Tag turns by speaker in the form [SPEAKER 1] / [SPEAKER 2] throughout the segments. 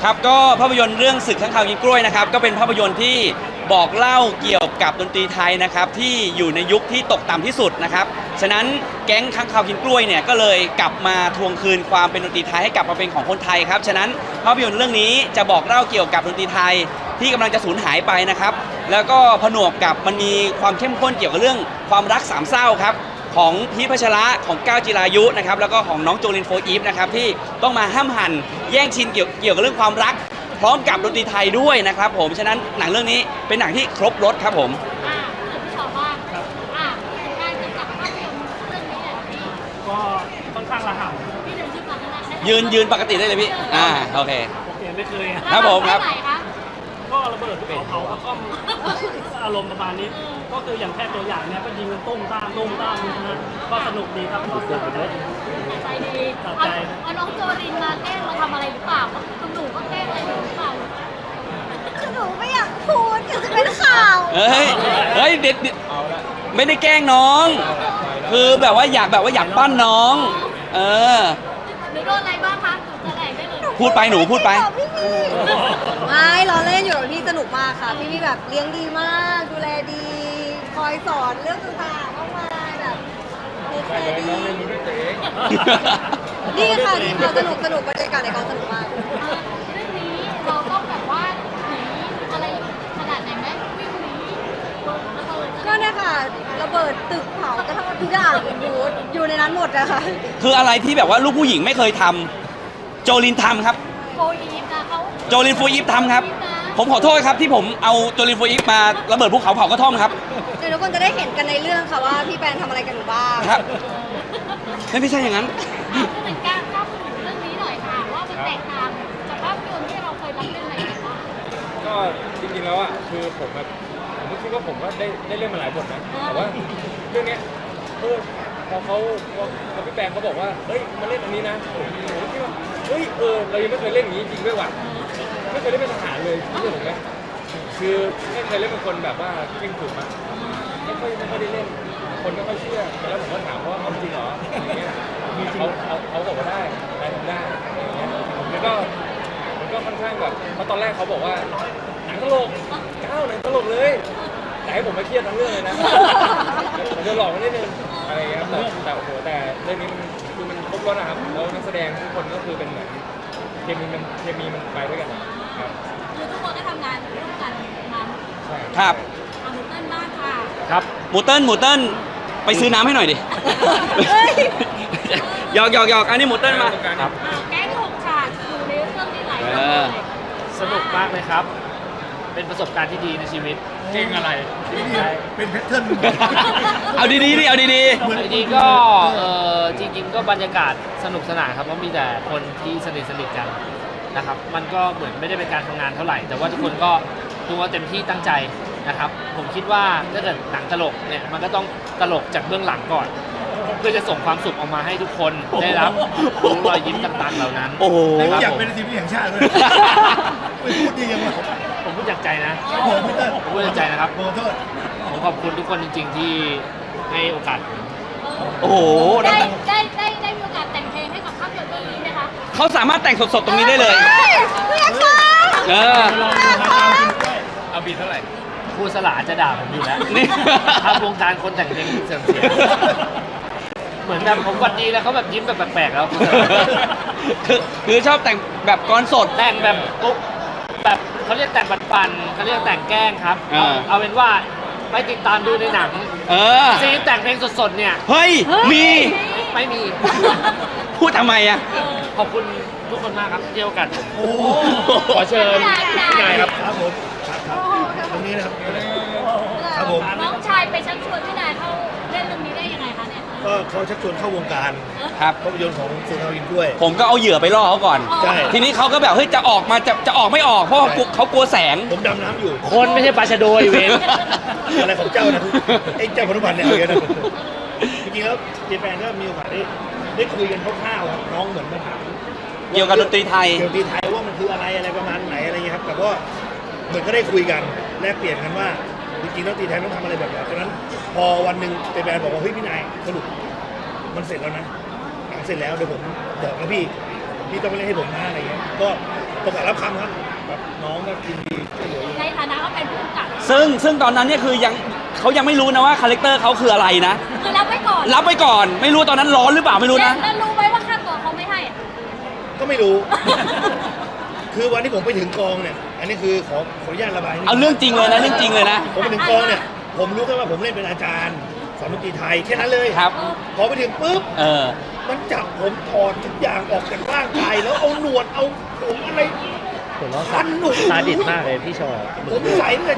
[SPEAKER 1] ครับก็ภาพยนตร์เรื่องศึกข้างคาวกินกล้วยนะครับก็เป็นภาพยนตร์ที่บอกเล่าเกี่ยวกับดนตรีไทยนะครับที่อยู่ในยุคที่ตกต่ำที่สุดนะครับฉะนั้นแก๊งข้างคาวกินกล้วยเนี่ยก็เลยกลับมาทวงคืนความเป็นดนตรีไทยให้กลับมาเป็นของคนไทยครับฉะนั้นภาพยนตร์เรื่องนี้จะบอกเล่าเกี่ยวกับดนตรีไทยที่กำลังจะสูญหายไปนะครับแล้วก็ผนวกกับมันมีความเข้มข้นเกี่ยวกับเรื่องความรักสามเศร้าครับของพีชพัชระของก้าวจิรายุนะครับแล้วก็ของน้องโจลินโฟอีฟนะครับที่ต้องมาห้ามหันแย่งชิงเกี่ยวกับเรื่องความรักพร้อมกับดนตรีไทยด้วยนะครับผมฉะนั้นหนังเรื่องนี้เป็นหนังที่ครบรสครับผม
[SPEAKER 2] พี่ชอบว่าการกำกับภาพยนตร์เรื่องนี้เนี่ยพี่
[SPEAKER 3] ก็ค่อนข้างระห่ำ
[SPEAKER 2] พี่เดินยืนปกติ
[SPEAKER 1] ยืนปกติได้เลยพี่โอเค
[SPEAKER 3] ไม่เคย
[SPEAKER 1] ครับผมครับ
[SPEAKER 3] ก็ระเบิดเผาก็อารมณ์ประมาณนี้ก็คืออย่างแค่ตัวอย่างเนี้ยก็ยิงกันตุ้มตามนะก็สนุกดีครับก็สนุกเลย
[SPEAKER 2] ใจดีเอาน้องโจลินมาแกล้งมาทำอะไรหรือเปล่าคุณหนูก็แกล้งอะไรหรือเปล่า
[SPEAKER 4] หนูไม่อยากพูดเดี๋ยวจะเป็นข่าว
[SPEAKER 1] เฮ้ยเด็ดไม่ได้แกล้งน้องคือแบบว่าอยากปั้นน้อง
[SPEAKER 2] หนูโดนอะไรบ้างคะหนูจะแหลกได้เลย
[SPEAKER 1] พูดไปหนูพูดไป
[SPEAKER 4] ไม่ล้อเล่นอยู่กับพี่สนุกมากค่ะพี่แบบเลี้ยงดีมากดูแลดี คอยสอนเรื่องต่างๆมากมายแบบเทคแคร์ดีดีค่ะสนุกบรรยากาศในกองสนุกมาก
[SPEAKER 2] เรื่องนี้เราต้องแบบว่าหนีอะไรขนาดไหนไหมวิ่งหนีระเบิด
[SPEAKER 4] ก็เนี่ยค่ะระเบิดตึกเผากระทั่งทุกอย่างอยู่ในนั้นหมดอะค่ะ
[SPEAKER 1] คืออะไรที่แบบว่าลูกผู้หญิงไม่เคยทำโจลินทำครับ
[SPEAKER 2] โฟอีฟนะเขา
[SPEAKER 1] โจลินโฟอีฟทำครับผมขอโทษครับที่ผมเอาโจลินโฟอีฟมาระเบิดภูเขาเผากระท่อมครับ
[SPEAKER 4] เดี๋ยวทุกคนจะได้เห็นกันในเรื่องค่ะว่าพี่แปนทำอะไรกันอยู่บ้าง
[SPEAKER 1] ครับไม่ใช่อย่างนั้น
[SPEAKER 2] เป็นการเล่าถึงเรื่องนี้หน่อยค่ะว่ามันแตกต่างจากภาพยนตร์ที่เราเคยรับเล่นอะไรกันบ้าง
[SPEAKER 5] ก็จริงๆแล้วอ่ะคือผมก็คิดว่าผมก็ได้เล่นมาหลายบทนะแต่ว่าเรื่องนี้พอพี่แปงเขาบอกว่าเฮ้ยมาเล่นอันนี้นะผมคิดว่าเฮ้ยเรายังไม่เคยเล่นอย่างนี้จริงด้วยว่ะไม่เคยเล่นเป็นทหารเลยที่ผมเนี่ยคือไม่เคยเล่นเป็นคนแบบว่าเก่งถูกมั้ยไม่ค่อยได้เล่นคนไม่ค่อยเชื่อแล้วผมก็ถามว่าเอาจริงเหรออย่างเงี้ยเขาบอกว่าได้ทำได้อย่างเงี้ยมันก็ค่อนข้างแบบเพราะตอนแรกเขาบอกว่าหนังตลกหนังตลกเลยแต่ให้ผมไม่เครียดทั้งเรื่องเลยนะผมจะหลอกมันนิดนึงอะไรเงี้ยครับแต่โอ้โหแต่เรื่องนี้มันครบรสนะครับแล้วนักแสดงทุกคนก็คือเป็นเหมือนเคมีมันไปด้วยกันครับ
[SPEAKER 2] คือทุกคนก็ทำงานร่วมกันมา
[SPEAKER 5] ใช่
[SPEAKER 1] ครับ
[SPEAKER 2] หมูเติ้ลบ้างค่ะ
[SPEAKER 1] ครับหมูเติ้ลไปซื้อน้ำให้หน่อยดิหยอกอันนี้หมูเติ้ลมา
[SPEAKER 5] ครับ
[SPEAKER 2] แก๊ง6 ฉากอยู่ในเรื่องนี้หลายเรื่องเลย
[SPEAKER 3] สนุกมากเลยครับเป็นประสบการณ์ที่ดีในชีวิต
[SPEAKER 5] เก่งอะไร
[SPEAKER 6] เป็นแพทเทิร์น
[SPEAKER 1] เอาดี
[SPEAKER 3] ก็จริงๆก็บรรยากาศสนุกสนานครับเพราะมีแต่คนที่สนิทกันนะครับมันก็เหมือนไม่ได้เป็นการทำงานเท่าไหร่แต่ว่าทุกคนก็เต็มที่ตั้งใจนะครับผมคิดว่าถ้าเกิดหนังตลกเนี่ยมันก็ต้องตลกจากเบื้องหลังก่อนเพื่อจะส่งความสุขออกมาให้ทุกคนได้รับรอยยิ้มต่างๆเหล่านั้น
[SPEAKER 6] อยากเป็นศิลปินแห่งชาติเลยไม่พูดดียังไง
[SPEAKER 3] ผมพูดจากใจนะผมพูดจากใจนะครับผมขอบคุณทุกคนจริงๆที่ให้โอกาส
[SPEAKER 1] โอ้โห
[SPEAKER 2] ได้มีโอกาสแต่งเพลงให้กับภาพยนตร์เรื่องนี้ไหมคะ
[SPEAKER 1] เขาสามารถแต่งสดๆตรงนี้ได้เลย
[SPEAKER 5] เอาบีเท่าไหร่
[SPEAKER 3] ครูสลาจะด่าผมอยู่แล้วทางวงการคนแต่งเพลงเสื่อมเสียเหมือนแบบผมวัดดีแล้วเขาแบบยิ้มแบบแปลกๆแล้ว
[SPEAKER 1] คือชอบแต่งแบบกลอนสด
[SPEAKER 3] แต่งแบบปุ๊บแบบเขาเรียกแต่งปันๆเขาเรียกแต่งแกล้งครับเอาเป็นว่าไปติดตามดูในหนังซีนแต่งเพลงสดๆเนี่ย
[SPEAKER 1] เฮ้ยมี
[SPEAKER 3] ไม่มี
[SPEAKER 1] พูดทำไมอ่ะ
[SPEAKER 3] ขอบคุณทุกคนมากครับที่ให้โอกาสผมขอเชิญพี่นายครับ
[SPEAKER 6] ครับผมตรงนี้นะครับครับผม
[SPEAKER 2] น้องชายไปชักชวนพี่นายเข้าเล่นเรื่องนี้ได้ยังไงคะเนี่ย
[SPEAKER 6] ก็เขาชักชวนเข้าวงการ
[SPEAKER 1] ครับ
[SPEAKER 6] ภาพยนตร์ของสุนทรวินด้วย
[SPEAKER 1] ผมก็เอาเหยื่อไปล่อเขาก่อนทีนี้เขาก็แบบเฮ้ยจะออกมาจะออกไม่ออกเพราะเขากลัวแสง
[SPEAKER 6] ผมดำน้ำอยู่
[SPEAKER 3] คนไม่ใช่ปลาชะโดยเวน
[SPEAKER 6] อะไรของเจ้านะไอ้เจ้าพนุพันธ์เนี่ยอะไรกันจริงๆแล้วเจแปนก็มีโอกาสได้คุยกันคร่าวๆน้องเหมือนมาถาม
[SPEAKER 1] เกี่ยวกับดนตรีไทย
[SPEAKER 6] ว่ามันคืออะไรประมาณไหนอะไรเงี้ยครับแต่ว่าเหมือนก็ได้คุยกันแลกเปลี่ยนกันว่าจริงๆแล้วดนตรีไทยต้องทำอะไรแบบไหนฉะนั้นพอวันหนึ่งเจแปนบอกว่าเฮ้ยพี่นายสรุปมันเสร็จแล้วนะหนังเสร็จแล้วเดี๋ยวผมบอกนะพี่ต้องไปเล่นให้ผมนะอะไรเงี้ยก็ตกรับคำครับครับน้องก็กินดีช่วยเหลืออยู่
[SPEAKER 2] ในฐานะเขาเป็นผู้กำกับ
[SPEAKER 1] ซึ่งตอนนั้นเนี่ยคือเขายังไม่รู้นะว่าคาแรคเตอร์เขาคืออะไรนะ
[SPEAKER 2] คือรับไว้ก่อน
[SPEAKER 1] รับไปก่อนไม่รู้ตอนนั้นร้อนหรือเปล่าไม่รู้นะ
[SPEAKER 2] แล้วรู้ไหมว่าค่าตัวเขาไม่ให้อะ
[SPEAKER 6] ก็ไม่รู้ คือวันที่ผมไปถึงกองเนี่ย อันนี้คือขออนุญาตระบายนิดนึ
[SPEAKER 1] เอาเรื่องจริงเลยนะเรื่องจริงเลยนะ
[SPEAKER 6] ผมไปถึงกองเนี่ย ผมรู้แค่ว่าผมเล่นเป็นอาจารย์สอนดนตรีไทยแค่นั้นเลย
[SPEAKER 1] ครับ
[SPEAKER 6] พอไปถึงปุ๊บ
[SPEAKER 1] เออ
[SPEAKER 6] มันจับผมถอดทุกอย่างออกจากร่างกายแล้วเอาหนวดเอาผมอะไร
[SPEAKER 3] ผมว่า
[SPEAKER 6] พันหนวด
[SPEAKER 3] ซาดิสมากเลยพี่ชอ
[SPEAKER 6] ผมใส่ตั้งแต่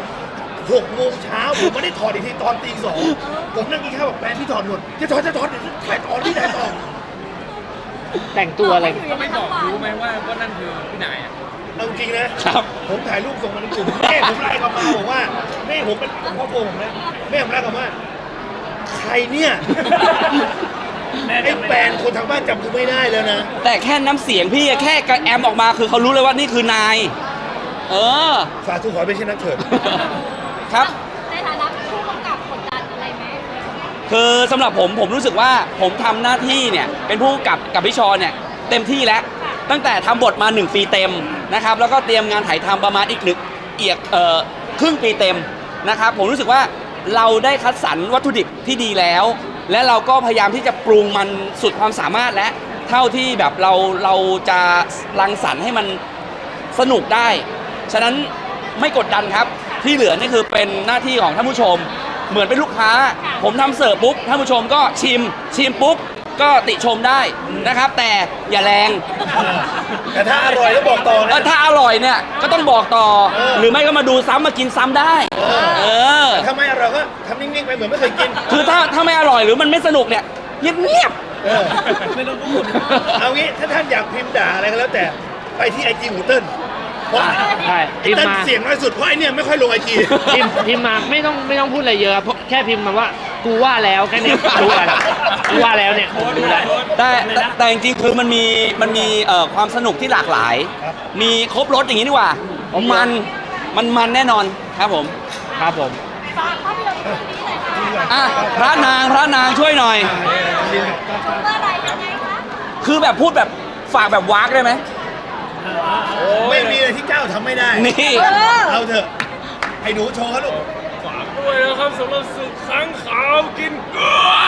[SPEAKER 6] 6 โมงเช้าผมไม่ได้ถอดอีกทีตอนตี 2ผมนั่งกินข้าวบอกแฟนพี่ถอดหนวดจะถอดเดี๋ยวถ่ายต่อที่ถ่ายต่อ
[SPEAKER 3] แต่งตัวอะไร
[SPEAKER 5] ก็ไม่บอกรู้ไหมว่านั่นคือพี่นายอ่ะ
[SPEAKER 6] เอาจริงนะครับ ผมถ่ายรูปส่งมาในกลุ่มแม่ผมไลน์กลับมาบอกว่าแม่ผมเป็นครอบครัวผมนะแม่ผมไลน์กลับมาใครเนี่ยไอ้แฟนคนทางบ้านจำกูไม่ได้แล้วนะ
[SPEAKER 1] แต่แค่น้ำเสียงพี่แค่กระแอมออกมาคือเขารู้เลยว่านี่คือนาย เออ
[SPEAKER 6] สาธุขอให้เป็นเช่นนั้นเถิด
[SPEAKER 1] ครับ
[SPEAKER 2] ในฐานะผู้กำกับกดดันอะไรไหม
[SPEAKER 1] คือสำหรับผมรู้สึกว่าผมทำหน้าที่เนี่ยเป็นผู้กำกับพี่ชอเนี่ยเต็มที่แล้ว ตั้งแต่ทำบทมา1 ปีเต็มนะครับแล้วก็เตรียมงานถ่ายทำประมาณอีกครึ่งปีเต็มนะครับผมรู้สึกว่าเราได้คัดสรรวัตถุดิบที่ดีแล้ว และเราก็พยายามที่จะปรุงมันสุดความสามารถและเท่าที่แบบเราจะรังสรรค์ให้มันสนุกได้ ฉะนั้นไม่กดดันครับที่เหลือนี่คือเป็นหน้าที่ของท่านผู้ชม เหมือนเป็นลูกค้า ผมทำเสิร์ฟปุ๊บท่านผู้ชมก็ชิมปุ๊บก็ติชมได้นะครับ แต่อย่าแรง
[SPEAKER 6] แต่ถ้าอร่อยแล้วบอกต่อนะ
[SPEAKER 1] ถ้าอร่อยเนี่ยก็ต้องบอกต่อ หรือไม่ก็มาดูซ้ำมากินซ้ำได้ เออ
[SPEAKER 6] ถ้าไม่อร่อยก็ทำนิ่งๆไปเหมือนไม่เคยกิน
[SPEAKER 1] คือถ้าไม่อร่อยหรือมันไม่สนุกเนี่ยเงียบ
[SPEAKER 6] เออไม่ต้องพูดเอางี้ถ้าท่านอยากพิมพ์ด่าอะไรก็แล้วแต่ไปที่ไอจีหูเติ้ลเพราะ
[SPEAKER 3] ใช่
[SPEAKER 6] ไอ
[SPEAKER 3] พิมพ์
[SPEAKER 6] เติ้ล
[SPEAKER 3] มา
[SPEAKER 6] เสียงน้อยสุดเพราะไอเนี่ยไม่ค่อยลงไอจี
[SPEAKER 3] พิมพ์มาไม่ต้องพูดอะไรเยอะแค่พิมพ์มาว่ากูว่าแล้วแค่เนี้ยรู้แล้วกูว่าแล้วเนี่ยรู้แล้ว
[SPEAKER 1] ๆแต่จริงๆคือมันมีความสนุกที่หลากหลาย
[SPEAKER 6] ครับ
[SPEAKER 1] มีครบรสอย่างนี้ดีกว่ามันแน่นอนครับผม
[SPEAKER 3] ครับผม
[SPEAKER 2] ฝากภาพยนตร์เรื่องนี้หน่อยค่ะ
[SPEAKER 1] อ่ะพระนางช่วยหน่อย
[SPEAKER 2] ชมเมื่อไหรยังไงคะ
[SPEAKER 1] คือแบบพูดแบบฝากแบบวากได้ไหม
[SPEAKER 6] ไม่มีอะไรที่เจ้าทำไม่ได้
[SPEAKER 1] นี่
[SPEAKER 6] เอาเถอะไอ้หนูโชว์เขาลูก
[SPEAKER 5] ฝากด้วยนะครับสำหรับศึกค้างขาวกินกล้วย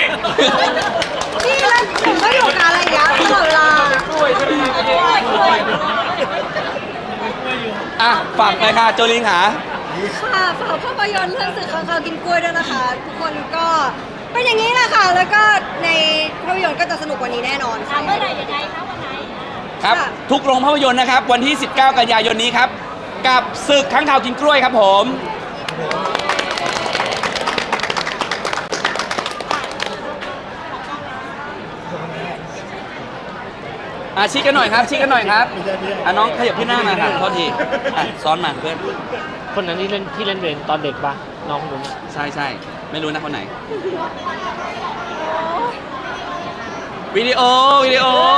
[SPEAKER 4] พี่เล่นผมก็อยู่กับอะไรอย่างเงี้ยตลอดเวลา
[SPEAKER 1] อ่ะฝากเลยค่ะโจลินค่ะ
[SPEAKER 4] ค่ะฝากภาพยนตร์เรื่องสื่อค้างคาวกินกล้วยด้วยนะคะ ทุกคนก็เป็นอย่างนี้แหละค่ะ แล้วก็ในภาพยนตร์ก็จะสนุกกว่านี้แน่นอนค่ะ
[SPEAKER 2] เมื่อไหรยังไงคะวันไหน
[SPEAKER 1] ครับ
[SPEAKER 4] ค่ะ
[SPEAKER 1] ทุกโรงภาพยนตร์นะครับ วันที่ 19 กันยายนนี้ครับ กับศึกค้างคาวกินกล้วยครับผมชี้กันหน่อยครับชี้กันหน่อยครับน้องขยับที่หน้ามาครับโทษทีซ้อนมาเพื่อน
[SPEAKER 3] คนนั้นที่เล่นเวรตอนเด็กปะน้องคนนู้น
[SPEAKER 1] ใช่ไม่รู้นะคนไหน วิดีโอ